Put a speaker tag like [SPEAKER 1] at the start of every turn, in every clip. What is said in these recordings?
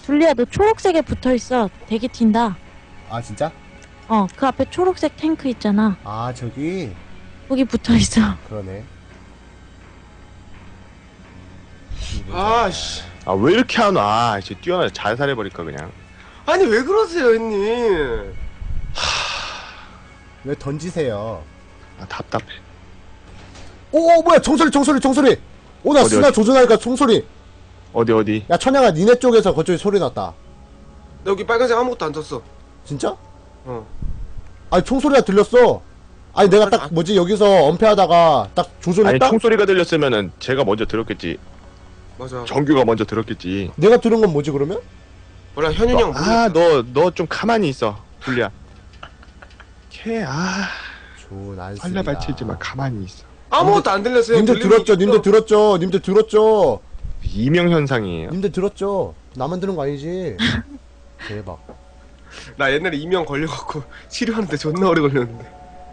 [SPEAKER 1] 둘리야, 너 초록색에 붙어있어. 되게 튄다.
[SPEAKER 2] 아 진짜?
[SPEAKER 1] 그 앞에 초록색 탱크 있잖아.
[SPEAKER 2] 아 저기
[SPEAKER 1] 거기 붙어있어.
[SPEAKER 2] 그러네.
[SPEAKER 3] 아씨.
[SPEAKER 4] 아 왜 이렇게 안 와? 이제 뛰어나 자살해버릴까 그냥.
[SPEAKER 3] 아니 왜 그러세요, 형님?
[SPEAKER 2] 왜 던지세요?
[SPEAKER 4] 아 답답해.
[SPEAKER 2] 오 뭐야 총소리. 오나
[SPEAKER 4] 어디,
[SPEAKER 2] 스나
[SPEAKER 4] 어디?
[SPEAKER 2] 조준하니까 총소리.
[SPEAKER 4] 어디?
[SPEAKER 2] 야 천양아 니네 쪽에서 그쪽에 소리 났다.
[SPEAKER 3] 나 여기 빨간색 아무것도 안 떴어.
[SPEAKER 2] 진짜?
[SPEAKER 3] 어.
[SPEAKER 2] 아니 총소리가 들렸어. 아니 내가 딱
[SPEAKER 3] 아니,
[SPEAKER 2] 뭐지 여기서 엄폐하다가 딱
[SPEAKER 4] 아니
[SPEAKER 2] 조준했다?
[SPEAKER 4] 총소리가 들렸으면은 제가 먼저 들었겠지.
[SPEAKER 3] 맞아.
[SPEAKER 4] 정규가 먼저 들었겠지.
[SPEAKER 2] 내가 들은 건 뭐지 그러면?
[SPEAKER 3] 몰라, 현윤이 형 모르겠다.
[SPEAKER 4] 너 좀 가만히 있어. 둘리야.
[SPEAKER 2] 좋은 안쓰.
[SPEAKER 4] 활라 발치지 마. 가만히 있어.
[SPEAKER 3] 아무것도 안 들렸어요.
[SPEAKER 2] 님들
[SPEAKER 3] 들리는
[SPEAKER 2] 들었죠?
[SPEAKER 3] 게
[SPEAKER 2] 님들
[SPEAKER 3] 있어.
[SPEAKER 2] 들었죠? 님들 들었죠?
[SPEAKER 4] 이명 현상이에요.
[SPEAKER 2] 님들 들었죠? 나만 들은 거 아니지? 대박.
[SPEAKER 3] 나 옛날에 이명 걸려갖고 치료하는데 존나 오래 걸렸는데.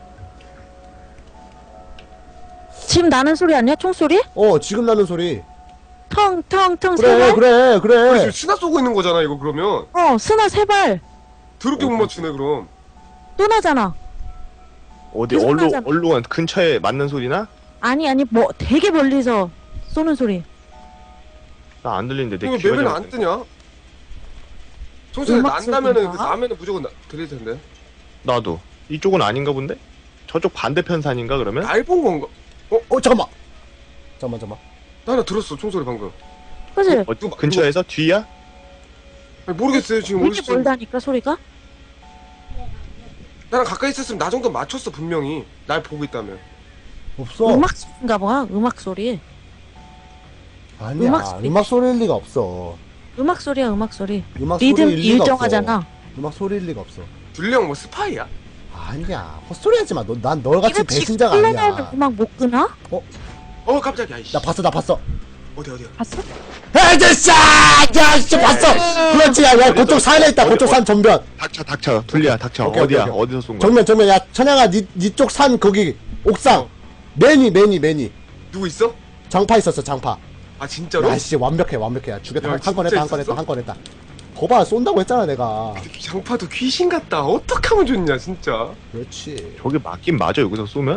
[SPEAKER 1] 지금 나는 소리 아니야? 총소리?
[SPEAKER 2] 지금 나는 소리.
[SPEAKER 1] 텅텅텅
[SPEAKER 2] 그래
[SPEAKER 1] 세발?
[SPEAKER 2] 그래
[SPEAKER 3] 우리
[SPEAKER 2] 그래.
[SPEAKER 3] 지금 스나 쏘고 있는 거잖아, 이거 그러면.
[SPEAKER 1] 스나 세발.
[SPEAKER 3] 더럽게 못 맞추네, 그럼.
[SPEAKER 1] 또 나잖아.
[SPEAKER 4] 어디
[SPEAKER 1] 계속 나잖아.
[SPEAKER 4] 얼룩은 근처에 맞는 소리나?
[SPEAKER 1] 아니, 뭐, 되게 멀리서 쏘는
[SPEAKER 4] 나 안 들리는데 내
[SPEAKER 3] 이거
[SPEAKER 4] 귀가
[SPEAKER 3] 맵에는
[SPEAKER 4] 잘
[SPEAKER 3] 안 뜨냐? 총소리
[SPEAKER 1] 음악
[SPEAKER 3] 난다면은,
[SPEAKER 1] 소리인가?
[SPEAKER 3] 나면은 무조건 들릴 텐데.
[SPEAKER 4] 나도. 이쪽은 아닌가 본데? 저쪽 반대편 산인가 그러면?
[SPEAKER 3] 날 본 건가?
[SPEAKER 2] 잠깐만. 잠깐만.
[SPEAKER 3] 나 하나 들었어, 총소리 방금.
[SPEAKER 1] 그치?
[SPEAKER 4] 근처에서 뒤야?
[SPEAKER 3] 아니, 모르겠어요, 지금
[SPEAKER 1] 되게
[SPEAKER 3] 어디서.
[SPEAKER 1] 멀다니까, 소리가?
[SPEAKER 3] 나랑 가까이 있었으면 나 정도 맞췄어, 분명히. 날 보고 있다면.
[SPEAKER 2] 없어.
[SPEAKER 1] 음악 소리인가 봐, 음악 소리.
[SPEAKER 2] 아니야.
[SPEAKER 1] 음악
[SPEAKER 2] 음악,
[SPEAKER 1] 소리.
[SPEAKER 2] 소리일 리가 없어.
[SPEAKER 1] 음악 소리야, 음악 소리.
[SPEAKER 2] 음악
[SPEAKER 1] 리듬
[SPEAKER 2] 소리일 리가
[SPEAKER 1] 일정하잖아.
[SPEAKER 2] 없어. 음악 소리일 리가 없어.
[SPEAKER 3] 둘리 형 뭐 스파이야?
[SPEAKER 2] 아니야. 헛소리 하지 마. 난 너같이
[SPEAKER 1] 이거
[SPEAKER 2] 배신자가
[SPEAKER 1] 플래너는
[SPEAKER 2] 아니야.
[SPEAKER 1] 음악 못 끄나?
[SPEAKER 3] 깜짝이야, 이씨.
[SPEAKER 2] 나 봤어.
[SPEAKER 3] 어디야?
[SPEAKER 1] 봤어?
[SPEAKER 2] 헤드샷! 야, 진짜 봤어! 그렇지, 야, 그쪽 산에 있다, 그쪽 산 전면.
[SPEAKER 4] 닥쳐. 둘리야 닥쳐.
[SPEAKER 2] 오케이,
[SPEAKER 4] 어디야?
[SPEAKER 2] 오케이.
[SPEAKER 4] 어디서 쏜 거야?
[SPEAKER 2] 전면, 야, 천양아, 니쪽 산, 거기, 옥상. 매니.
[SPEAKER 3] 누구 있어?
[SPEAKER 2] 장파 있었어, 장파.
[SPEAKER 3] 아, 진짜로?
[SPEAKER 2] 야, 씨, 완벽해. 야, 죽였다.
[SPEAKER 3] 야,
[SPEAKER 2] 한 건
[SPEAKER 3] 진짜
[SPEAKER 2] 했다.
[SPEAKER 3] 있었어?
[SPEAKER 2] 거봐, 쏜다고 했잖아, 내가.
[SPEAKER 3] 장파도 귀신 같다. 어떡하면 좋냐, 진짜.
[SPEAKER 2] 그렇지.
[SPEAKER 4] 저게 맞긴 맞아 여기서 쏘면?